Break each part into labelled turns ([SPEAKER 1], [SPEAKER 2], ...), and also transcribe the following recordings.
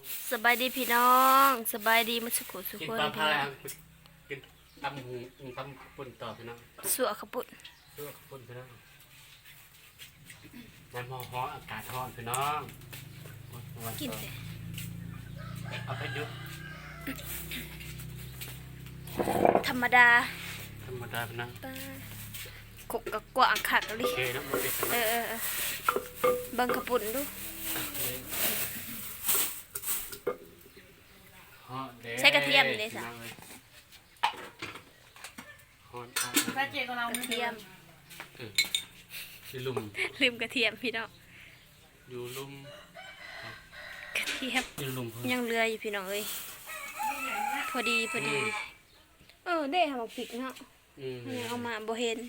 [SPEAKER 1] สบายดีพี่น้องสบายดีมาสุขุสุข
[SPEAKER 2] กิน
[SPEAKER 1] คน
[SPEAKER 2] ปลา
[SPEAKER 1] พี่
[SPEAKER 2] พา
[SPEAKER 1] น้อง
[SPEAKER 2] กินตำหูตำปุ่นต่อพี่น้อง
[SPEAKER 1] สัวขาวปุด
[SPEAKER 2] ด้วยปุ่นพี่น้องน้ำฮ้อนอากาศร้อนพี่น้องวัน
[SPEAKER 1] กิน
[SPEAKER 2] ต่อ
[SPEAKER 1] เลย
[SPEAKER 2] เอาไปยุบ
[SPEAKER 1] ธรรมดา
[SPEAKER 2] ธรรมดาพี่น้อง
[SPEAKER 1] ป้าขกกะกว่างขักเลย
[SPEAKER 2] โอเคนะมันเป็น
[SPEAKER 1] เออเบิ่งขาวปุดดู
[SPEAKER 2] ฮ้อนเด้
[SPEAKER 1] ใช้กระเทียมเลย
[SPEAKER 2] พี่
[SPEAKER 1] สะ
[SPEAKER 2] น้องเลยฮ้อน
[SPEAKER 3] แม่เจ๊ก็เรา
[SPEAKER 1] กระเทียม
[SPEAKER 2] ที่ลุ่ม
[SPEAKER 1] ลืมกระเทียมพี่น้อง
[SPEAKER 2] อยู่ลุ่ม
[SPEAKER 1] กระเทียม
[SPEAKER 2] อยู่ลุ่มเพิ่น
[SPEAKER 1] ยังเรืออยู่พี่น้องเอ้ยพอดีได้หาหมกผิกเนาะยังเอามาบ่เห็น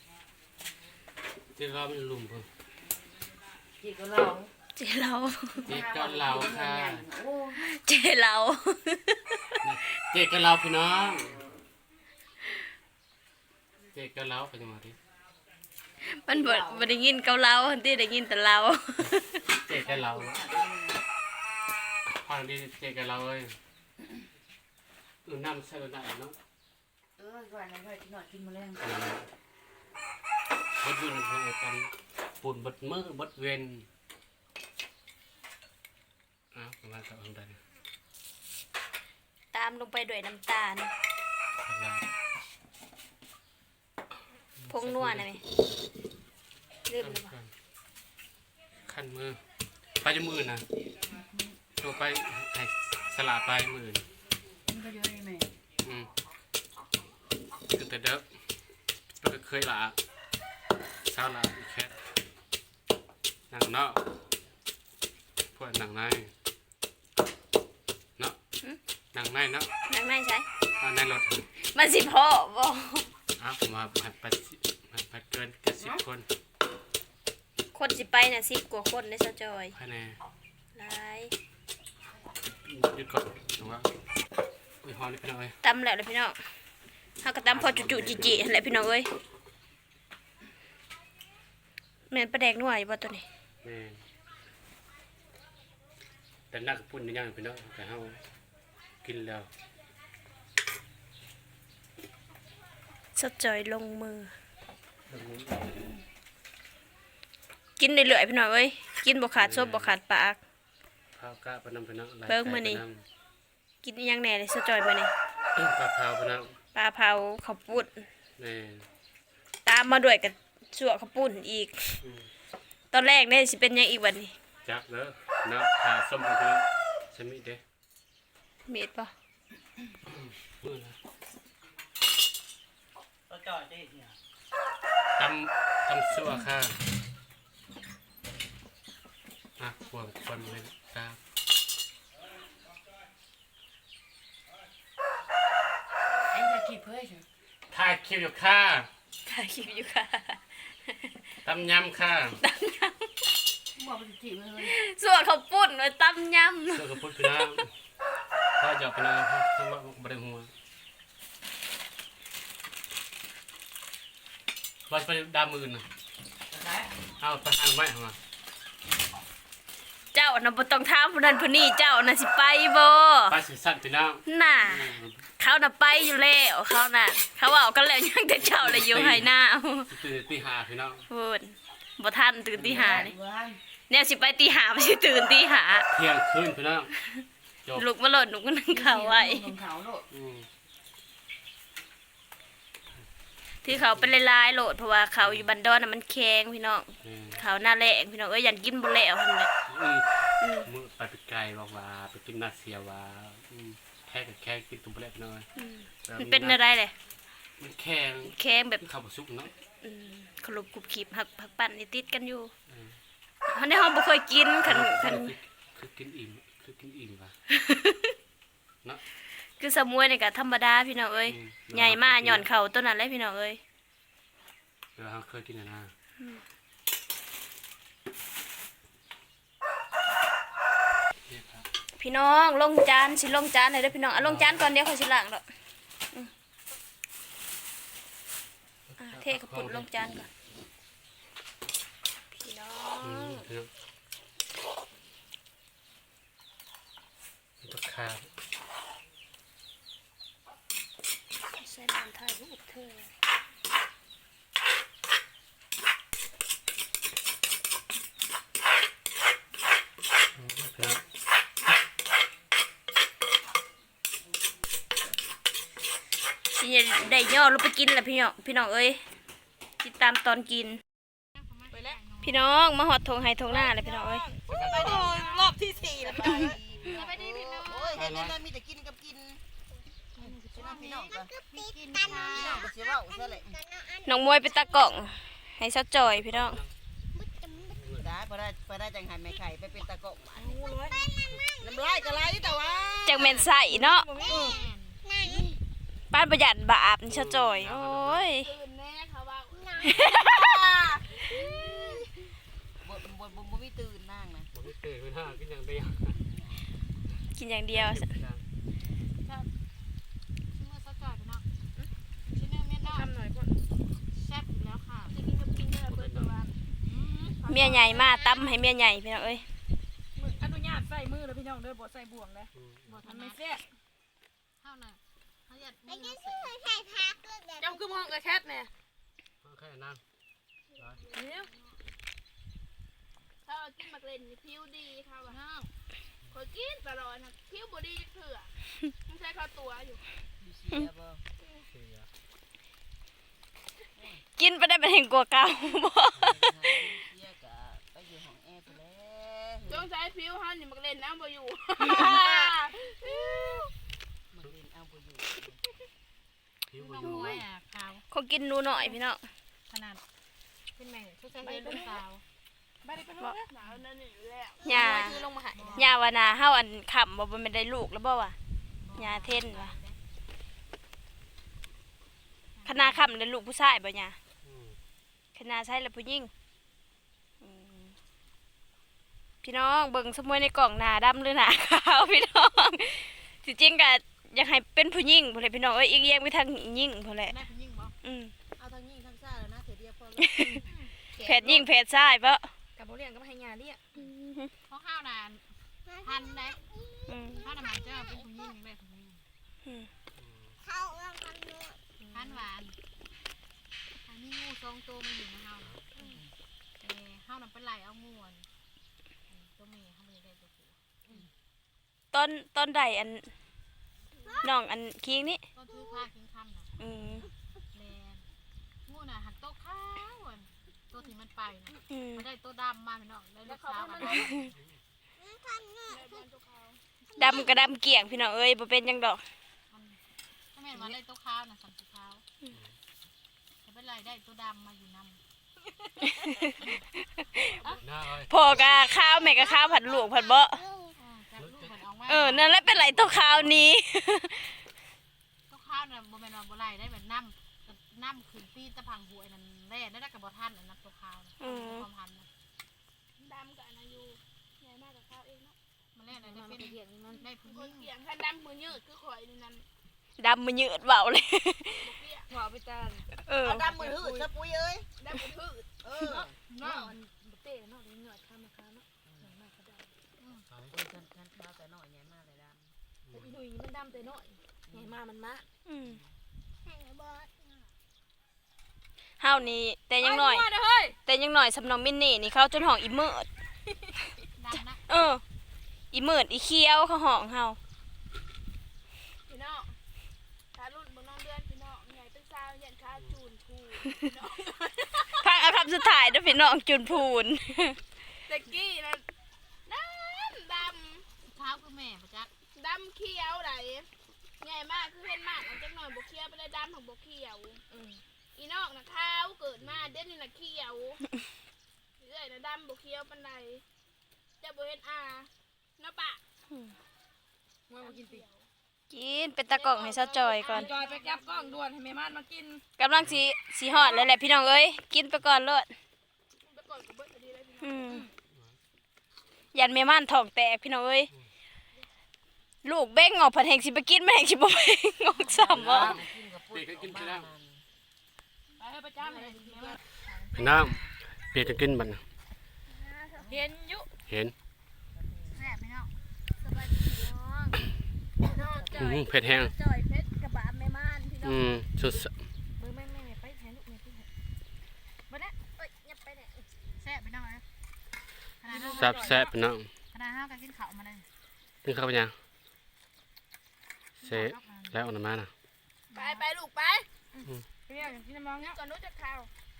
[SPEAKER 2] ที่เราเป็นลุ่มเพิ่น
[SPEAKER 3] เจ๊ก็เรา
[SPEAKER 1] เจเรา
[SPEAKER 2] เจ๊ก็เราค่ะ
[SPEAKER 3] โอ้
[SPEAKER 1] เจเรา
[SPEAKER 2] เจ๊ก็เราพี่น้องเจ๊ก็เราไปจังหวะที่
[SPEAKER 1] มันบ่ได้ยินเกาเหลาที่ได้ยินแต่เรา
[SPEAKER 2] เจ๊กับเราฟังดีเจ๊กับเราเลยน้ำใส่หน่อยเนาะ
[SPEAKER 3] ก่อนนะก่อนกินหน่อยกินมาแล้ว
[SPEAKER 2] บดยืนเพื่อกันปุ่นบดมือบดเวนประมาณกับอะไร
[SPEAKER 1] ตามลงไปด้วยน้ำตาลพงนัวนะแม่ลืมแล้วบ่
[SPEAKER 2] ขั้นมือไปจมือนะตัวไปให้สลาไปมือ
[SPEAKER 3] มันก็เยอะเลยแม่
[SPEAKER 2] คือแต่เด็กก็เคยละสาวละแค่หนังเนาะพวกหนังในเนาะหนังในเนาะ
[SPEAKER 1] นังในใช่
[SPEAKER 2] ในรถ
[SPEAKER 1] มันสิพอบ่
[SPEAKER 2] ผมมาผัดเกินกับ10 คน
[SPEAKER 1] คนสิไปน่ะ10 กว่าคนได้ซะจอย
[SPEAKER 2] ภายใน
[SPEAKER 1] หลาย
[SPEAKER 2] หยุดก่อนถือว่าอุ้ยฮอนี่พี่น้องเอ้ย
[SPEAKER 1] ตำแล้วเลยพี่น้องเฮาก็ตำพอจุๆจิๆนั่นแหละพี่น้องเอ้ยแม่นปลาแดกนัวอยู่บ่ตัวนี้
[SPEAKER 2] แม่แต่นักปุ่นนี่ยังพี่น้องแต่เฮากินแล้ว
[SPEAKER 1] ซะจอยลงมือ กินเรื่อยๆพี่น้องเอ้ยกินบ่ขาดซบบ่ขาดปาก
[SPEAKER 2] ข้าวกะปะนำพี่น้อง
[SPEAKER 1] เบิ่งมื้อนี้ กินอิหยังแหน่เลยซะจอยมื้อนี้
[SPEAKER 2] ปลาเผาพี่น้อง
[SPEAKER 1] ปลาเผาข้าวปุ้น
[SPEAKER 2] แม่
[SPEAKER 1] ตามมาด้วยกับสั่วข้าวปุ้นอีก ตอนแรกเนี่ยสิเป็นหยังอีกวันนี้
[SPEAKER 2] จักเด้อเนาะขาส้มพี่น้องสมิเด้
[SPEAKER 1] เม็ดปะ
[SPEAKER 2] มื้อนะ
[SPEAKER 3] ก็จ่อยเจ๊เนี่ย
[SPEAKER 2] ตำซั่วค่ะขวดคนเลยครับ
[SPEAKER 3] ไอ้จะกี่เพื่อนใช่
[SPEAKER 2] ถ่ายคลิปอยู่ค่ะ
[SPEAKER 1] ถ่ายคลิปอยู่ค่ะ
[SPEAKER 2] ตำยำค่ะ
[SPEAKER 3] บอกมันจะจีบเลย
[SPEAKER 1] สั่วข้าวปุ้นไว้ตำย
[SPEAKER 2] เจ้าก็พูดพี่น้องถ้าหยอกพี่น้องถ้าว่าบ่ได้หัวว่าจะไปดามมือน่ะ
[SPEAKER 3] ไหน
[SPEAKER 2] เอาไปหางไม้มา
[SPEAKER 1] ำเจ้าน่ะบ่ต้องถามผู้นั้นผู้นี้เจ้าน่ะสิไปบ่
[SPEAKER 2] ไปสิสั่นพี่น้อง
[SPEAKER 1] น่ะเขาน่ะไปอยู่แล้วเขาน่ะ เขาเว้ากันแล้วยังแต่เจ้าเลยอยู่ให้หน้า
[SPEAKER 2] ตื่นตีห้าพี่น้อง
[SPEAKER 1] พูดบ่ทันตื่นตีห้านี่
[SPEAKER 3] เว้ย
[SPEAKER 1] แนวสิไปตีห้าบ่สิตื่นตีห้า
[SPEAKER 2] เที่ยงคืนพี่น้องจบ
[SPEAKER 1] ลุกมาโลดลุกมานั่งข้าวไว้
[SPEAKER 3] ของเขาโลด
[SPEAKER 1] ที่เขาเป็นลายๆโหลดเพราะว่าเขาอยู่บันดอนน่ะมันแข็งพี่น้องเขาหน้าแรงพี่น้องเอ้ยยันกินบ่แล้วหั่นแหละ
[SPEAKER 2] มือไปไกลบอกว่าไปกินนาเซียว่าแค่กับแค่กินตุ้มเล็บน้อย
[SPEAKER 1] มันเป็นอะไรเลย
[SPEAKER 2] มันแข็ง
[SPEAKER 1] แข็งแบบ
[SPEAKER 2] ข้าวสุกเนาะ
[SPEAKER 1] ขลุบกรุบกริบหักผักปั่นนี่ติดกันอยู่อันนี้ห้องบ่เคยกินคัน
[SPEAKER 2] คือกินอิ่มว่ะเนาะ
[SPEAKER 1] คือสมวยนี่ก็ธรรมดาพี่น้องเอ้ยใหญ่มากหย่อนเข่าต้นนั้นเลยพี่น้องเอ้ย
[SPEAKER 2] เราเคยกินนะนี่ครับ
[SPEAKER 1] พี่น้องลงจานสิลงจานให้เด้อพี่น้องลงจานก่อนเดี๋ยวเขาสิล้างดอกเทข้าวปุ้นลงจานก่อนพี่น้อง
[SPEAKER 2] พี่น้องครับ
[SPEAKER 1] ใส่น้ำถ่ายรูปเธอสิได้ย่อลงไปกินแหละพี่น้องเอ้ยติดตามตอนกินพี่น้องมาหอดทงไฮทงหน้าเลยพี่น้องเอ้ย
[SPEAKER 3] รอบที่4แล้วป่ะ
[SPEAKER 4] ไปดีพี่น้อง
[SPEAKER 3] โอ้ยเห็นแล้วมีแต่กินกับกินพี่น้องก็กินพี่น้องก็สิเว้าซะแหละ
[SPEAKER 1] น้องมวยไปตากล่องให้ซะจอยพี่น้อง
[SPEAKER 3] ได้พอได้จังหันแม่ไข่ไปเป็นตะกกมาน้ำลายก็ไหลแต่ว่า
[SPEAKER 1] จังแม่นใส่เนาะป้านประหยัดบาปซะจอยโอ้ย
[SPEAKER 4] ตื่นแน่เขาว่า
[SPEAKER 3] บ่มีตื่นนั่งนะ
[SPEAKER 2] ผมไม่ตื่นไม่ได้กินอย่างเดียว
[SPEAKER 1] กินอย่างเดียว
[SPEAKER 4] ชิ้นมือซะจ่อยพี่น้องชิ้นนึงเม็ดน้อยทำหน่อยก่อนแซ่บอยู่แล้วค่ะจะกินกับกินได้เปิดตัว
[SPEAKER 1] เมียใหญ่มาตั้มให้เมียใหญ่พี่น้องเอ้ย
[SPEAKER 5] อนุญาตใส่มือแล้วพี่น้องเด้อบ่ใส่บ่วงเลย
[SPEAKER 4] บ่ทั
[SPEAKER 5] มัน น
[SPEAKER 4] ไม่
[SPEAKER 5] ไม่
[SPEAKER 4] แซ่บ
[SPEAKER 5] แซ่บ
[SPEAKER 4] เท่าน่ะเขาอยากมือ
[SPEAKER 5] เจ้าคือมองกระแคทแน่
[SPEAKER 2] แค่นั่ง
[SPEAKER 5] เนี่ย
[SPEAKER 4] ถ้ากินมักเล่นผิวดีเขาว่าห้าวคนกินตลอดนะผิวบ่ดีจักเถื่อมันใช้ข้าวตัวอยู่
[SPEAKER 3] เสียบ่
[SPEAKER 2] เสีย
[SPEAKER 1] กินไปได้เป็นแห่งกลัวเก่าบ่
[SPEAKER 3] เสียก็ไปอยู่ห้องแอร์ไปแล้ว
[SPEAKER 4] ต้องใช้ผิวเฮานี่มักเล่นน้ำบ่อยู่
[SPEAKER 3] มันเล่นเอาบ่อยู่
[SPEAKER 2] ผิว
[SPEAKER 4] น้อง
[SPEAKER 2] อยู่
[SPEAKER 4] มวยอ่ะขาว
[SPEAKER 1] เขากินหนูหน่อยพี่น้อง
[SPEAKER 4] ขนาดเป็นแม่ชุดใส่เสื้อสาว
[SPEAKER 5] ไม่ได้ไปห้องนะ
[SPEAKER 4] หนาวนั่นนี่อยู่แล้ว
[SPEAKER 1] ย่า
[SPEAKER 4] คือลงมาหาย
[SPEAKER 1] ย่าวานาเฮาอันขำบ่บ่แม่นได้ลูกแล้วบ่วะย่าเท่นวะคณะขำได้ลูกผู้ชายบ่ย่าคณะใช้แล้วผู้หญิงอืมพี่น้องเบิ่งสมวยในกล่องหน้าดำหรือหน้าขาวพี่น้องสิจริงก็อยากให้เป็นผู้หญิงพุ่นแหละพี่น้องเอ้ยอีกอย่างไปทางหญิงพุ่นแหละ
[SPEAKER 4] แม่เป็นยิ่งบ่
[SPEAKER 1] อืม
[SPEAKER 3] เอาทางนี้ทางซ้ายแล้วนะเถือเดียวพอแล้ว
[SPEAKER 1] เพศหญิงเพศชายเปะ
[SPEAKER 5] กับบ่เลี้ยงก็ให้ยาเรียก
[SPEAKER 4] เพราะข้าวนานพันได้
[SPEAKER 1] อืม
[SPEAKER 4] ข้าวมันจะเป็นผู้ยิ่งได้ผู้ยิ่ง
[SPEAKER 1] อืม
[SPEAKER 4] พันหวานอันนี้งูสองตัวมันอยู่ในเฮาเฮานั่นเป็นไหลเอางูตัวเมย์เฮาเลยได้ตัวผู้
[SPEAKER 1] ต้นใดอันน้องอันคิงนี่
[SPEAKER 4] ต้นทือผ้าคิงคำน่ะ
[SPEAKER 1] อืม
[SPEAKER 4] แลนงูน่ะหักโตขาวตัวที่มันไปน่ะ
[SPEAKER 1] อืม
[SPEAKER 4] มันได้ตัวดำมาพี่น้องได้ลูกสาวมัน
[SPEAKER 1] ดำกระดำเกี่ยงพี่น้องเอ้ยบ่เป็นหยังดอก
[SPEAKER 4] ถ้าแม่นว่าได้ตัวขาวน่ะสัมสีขาวแต่เป็นไรได้ตัวดำมาอยู่นำ
[SPEAKER 2] หน้าอ้อย
[SPEAKER 1] พ่อกะข้าวแม่กะข้าวผัดลูกผัดเบาะ
[SPEAKER 4] จากลูกมันออกมา
[SPEAKER 1] นั่นแหละเป็นไรตัวข้าวนี้
[SPEAKER 4] ตัวขาวน่ะบ่แม่นว่าบ่ไรได้แบบน้ำขึ้นปีตะพังหวยนั่นแร่ได้กับบ่ทันอันนั้นตัวขาวความพันนะดำกับอายุใหญ่มากกับข้าวเองเนาะมันแร่ได้เป็นเหี่ยงมันได้ผู้หญิง
[SPEAKER 6] เสียงถ้าดำมือยืดคือข่อยนี่นั่น
[SPEAKER 1] ดำมันยืดเบาเลย
[SPEAKER 5] หัวไปตา
[SPEAKER 3] เอาดำมือหืดซะปุ้ยเอ้ย
[SPEAKER 6] ดำมือพืช
[SPEAKER 3] เออ
[SPEAKER 4] เนาะ
[SPEAKER 5] เต้เนาะเหงื่อข้ามมาข้ามเนาะมากกระด
[SPEAKER 3] ฉันข้าวแต่น้อยใหญ่มากเลยด
[SPEAKER 5] ำอีหนุ่ยมันดำแต่น้อยใหญ่มามันมา
[SPEAKER 1] อืมเฮานี่แต่ยังน้อย
[SPEAKER 5] เฮ้ย
[SPEAKER 1] แต่ยังน้อยสำนองมินนี่นี่เขาจนห้องอีเมิด
[SPEAKER 4] ดำนะ
[SPEAKER 1] อีเมิดอีเคี้ยวเขาห้องเฮา
[SPEAKER 6] พี่น้องถ้ารุ่นบนน้องเดือนพี่น้องใหญ่เป็นสาวยันขาจูนพูพี่น้อง
[SPEAKER 1] พังเอาคำสุดท้ายเด้อพี่น้องจุนพูน
[SPEAKER 6] ตะกี้นั่นด
[SPEAKER 4] เท้าคือแม่ประจักษ์
[SPEAKER 6] ำดำเขียวไหลใหญ่มากคือเห็นมากมันจักหน่อยบกเขียวไปเลยดำของบกเขียวอีนอกนะขาวเกิดมาเด่นนี่นะเขียวเรื่อยนะดำบกเขียวปันใดจะบเห็นเนาะปะ
[SPEAKER 5] ว่ามากินติ
[SPEAKER 1] กินเป็นตะกล่องให้ซะจอยก่อน
[SPEAKER 5] จอยไปแก็บกล้องด่วนให้แม่ม่านมากิน
[SPEAKER 1] กำลังสีหอดแล้วแหละพี่น้องเอ้ยกินไปก่อนเลิศ
[SPEAKER 6] ไปก่อนกับเบิร์ดดีเลยพี่น้อง
[SPEAKER 1] อืมยันแม่ม่านท้องแตกพี่น้องเอ้ยลูกเบ้งออกผัดแหงสิไปกินแม่แหงสิบ่เบ้งออกซ้ำบ่
[SPEAKER 3] ำกินกับปุ้ย
[SPEAKER 4] ไปให้ประจำเลย
[SPEAKER 2] พี่น้องเปียกจะกินบัดน่ะ
[SPEAKER 5] เห็นยุ
[SPEAKER 2] เห็น
[SPEAKER 4] แซ่บพี่น้อง
[SPEAKER 6] สบายดีพี่น้อง
[SPEAKER 2] เผ็ดแห้ง
[SPEAKER 6] จ่อยเพชรกระบะแม่ม่านพี่น้อง
[SPEAKER 2] สุด
[SPEAKER 5] มือแม่ไปแทนลูกแม่พี่บ่ได้เอ้ยยับไปเนี่ย
[SPEAKER 4] แซ่บไปหน่อยขนาดห้า
[SPEAKER 2] แซ่บพี่น้อง
[SPEAKER 4] ขนาดห้าก็กินข้าวมาเลย
[SPEAKER 2] กินข้าวไปยังเสร็จแล้วออกมาน่ะ
[SPEAKER 6] ไปลูกไป
[SPEAKER 5] พี่อยากกินน้ำมองเนี้ย
[SPEAKER 6] ก่อนนู้นจะข่าว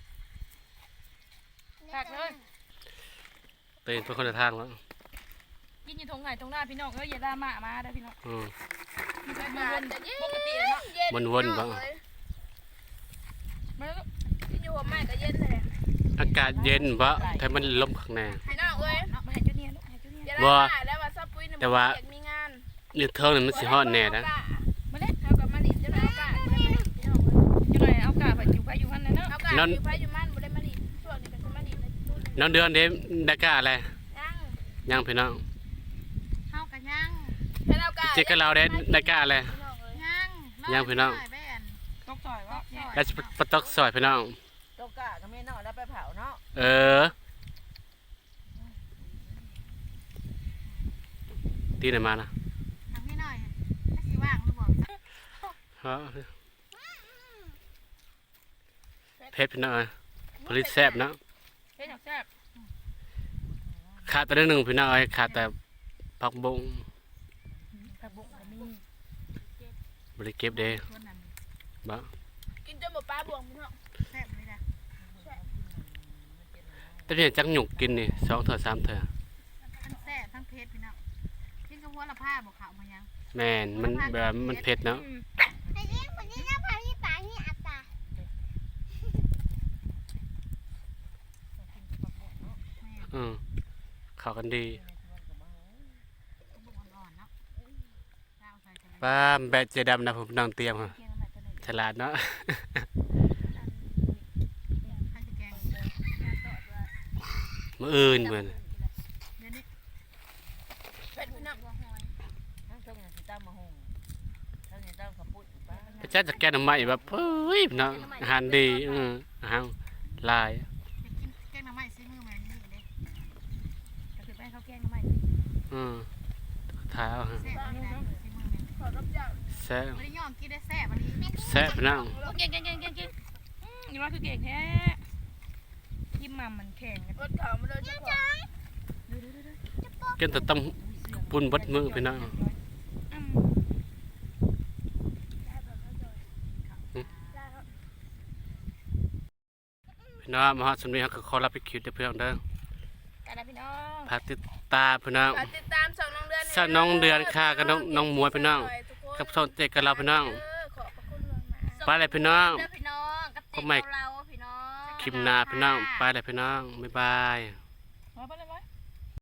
[SPEAKER 5] ตักเลย
[SPEAKER 2] ตื่นเป็นคนละทางแล้ว
[SPEAKER 5] กินอยู่ตรงไหนตรงหน้าพี่น้องอย่าด่ามาได้พี่น้อง
[SPEAKER 6] อากาศจะเย็น
[SPEAKER 5] ปกติเนาะ
[SPEAKER 6] เย็น
[SPEAKER 2] วนๆบ่
[SPEAKER 5] มาแล้ว
[SPEAKER 6] ที่อยู่หัวแม่ก็เย็นเลย
[SPEAKER 2] อากาศเย็นบ่แต่มันลมข้างใน
[SPEAKER 6] พี่น้องเอ้ย
[SPEAKER 5] มาให้จุดนี้ลูกให้จุดนี้
[SPEAKER 6] อย่าได้มาแล้วว่าซับปุ้ยเนี่ย
[SPEAKER 2] แต่ว่า
[SPEAKER 6] อยากมีงาน
[SPEAKER 2] นี่เท่านั้นมันสิฮ้อนแน่นะ
[SPEAKER 5] มาเล่น
[SPEAKER 6] เท่ากับมาดิจะได้โอกาสบ่ได้มาดิพี่น้องเอ้ย
[SPEAKER 5] จุดไหนเอากาไปอยู่กันเลยเนาะ
[SPEAKER 6] เอากาอยู่ไผอยู่มันบ่ได้มาดิช่วงนี้ก็จะมาดิในนู่น
[SPEAKER 2] น้องเดือนเด้ได้กล้าอะไร
[SPEAKER 6] ยัง
[SPEAKER 2] ยังพี่น้อง
[SPEAKER 4] ข้าวกันย่าง
[SPEAKER 6] ให้เอากา
[SPEAKER 2] เจ๊กับเราได้กล้าอะไร
[SPEAKER 6] พี่น้องเอ้ย
[SPEAKER 4] ย่าง
[SPEAKER 2] พี่น้อง
[SPEAKER 4] แม่น
[SPEAKER 5] ตกต่อยว่า
[SPEAKER 2] แล้วสิปะตอกซอยพี่น้อง
[SPEAKER 3] ตกกะก็ไม่เนาะแล้วไปเผาเนาะ
[SPEAKER 2] เออตีไหนมานะ
[SPEAKER 4] ทำให้หน่อยถ้าสิว่างหรือเปล่า
[SPEAKER 2] ฮะเผ็ดพี่น้องเอ้ยผลิตแซ่บเนาะ
[SPEAKER 5] เฮ้ยแซ่บ
[SPEAKER 2] ขาดแต่เรื่องหนึ่งพี่น้องเอ้ยขาดแต่ผักบุ้ง
[SPEAKER 5] ผักบุ้งก็มี
[SPEAKER 2] บริเก็บเด้
[SPEAKER 4] ชวนนั่น
[SPEAKER 2] บ่
[SPEAKER 6] กินจนบ่ปลาบวงพี่น้อง
[SPEAKER 4] แซ่บเลยนะ
[SPEAKER 2] แต่เพียงจักหยุกกินนี่2 เทื่อ 3 เทื่อ
[SPEAKER 4] ทั้งแซ่บทั้งเผ็ดพี่น้องกินกับหัวละผ้าบอกขาวมายัง
[SPEAKER 2] แม่นมันแบบมันเผ็ดเนาะ อืมเข้ากันดี
[SPEAKER 4] บุกอ่อนๆเนาะข้าวใส่กันเลย
[SPEAKER 2] ป้าแบะเจดำนะผมนั่งเตรียมค่ะ
[SPEAKER 5] เกียงน้ำมันตัวไหน
[SPEAKER 2] ฉลาดเนาะ
[SPEAKER 4] ข้าวจะแกง
[SPEAKER 2] มื้ออื่นเหมือน
[SPEAKER 4] เดี๋ยวนี้
[SPEAKER 6] เผ็ดพี่น้อง
[SPEAKER 3] ทั้งต้มอย่างที่ตั้มมาหุงทั้งอย่างตั้มขับปุ้นป้า
[SPEAKER 2] พระเจ้าจะแก้น้ำใหม่แบบเฮ้ยเนาะอาหารดีอาหารหลาย
[SPEAKER 4] จะกินแกงหน่อไม้ซีมือมันนี่เลย
[SPEAKER 5] ก็คือแป้งข้าวแกงน้ำมัน
[SPEAKER 2] ท้ายเอาฮะ
[SPEAKER 4] แซ่บนี่นะซีมือมัน
[SPEAKER 6] ขอรับเจ้า
[SPEAKER 2] แซ่บ
[SPEAKER 4] ไม่ได้ย่องกินได้แซ่บอันนี้
[SPEAKER 2] แซ่บพี่น้อง
[SPEAKER 5] เก่งนี่ว่าคือเก่งแท้ยิ้มมามันแข็ง
[SPEAKER 6] รถเขามาเลยเจ้าของ
[SPEAKER 2] กินแต่ต้มปุ่นบดมือพี่น้องพี่น้องมาฮอดสำเนียงก็ขอรับไปคิวเด้อเพื่อนเด้อ
[SPEAKER 5] กันนะพี่น้อง
[SPEAKER 2] ฝากติดตามพี่น้อง
[SPEAKER 6] ฝากติดตามช่องน้องเดือน
[SPEAKER 2] ช่องน้องเดือนค่ะกับน้องหมวยพี่น้องกับช่องเจ๊กับเราพี่น้อง
[SPEAKER 6] ขอบพระคุณล่วงหน้า
[SPEAKER 2] ไปเลยพี่น้อง
[SPEAKER 5] เด้อพี่น้องกับ
[SPEAKER 2] ก็
[SPEAKER 5] เจ๊
[SPEAKER 2] ไม่
[SPEAKER 5] เราพี่น้อง
[SPEAKER 2] คลิปหน้าพี่น้องไปเลยพี่น้องบ๊ายบาย
[SPEAKER 5] มาไปเลย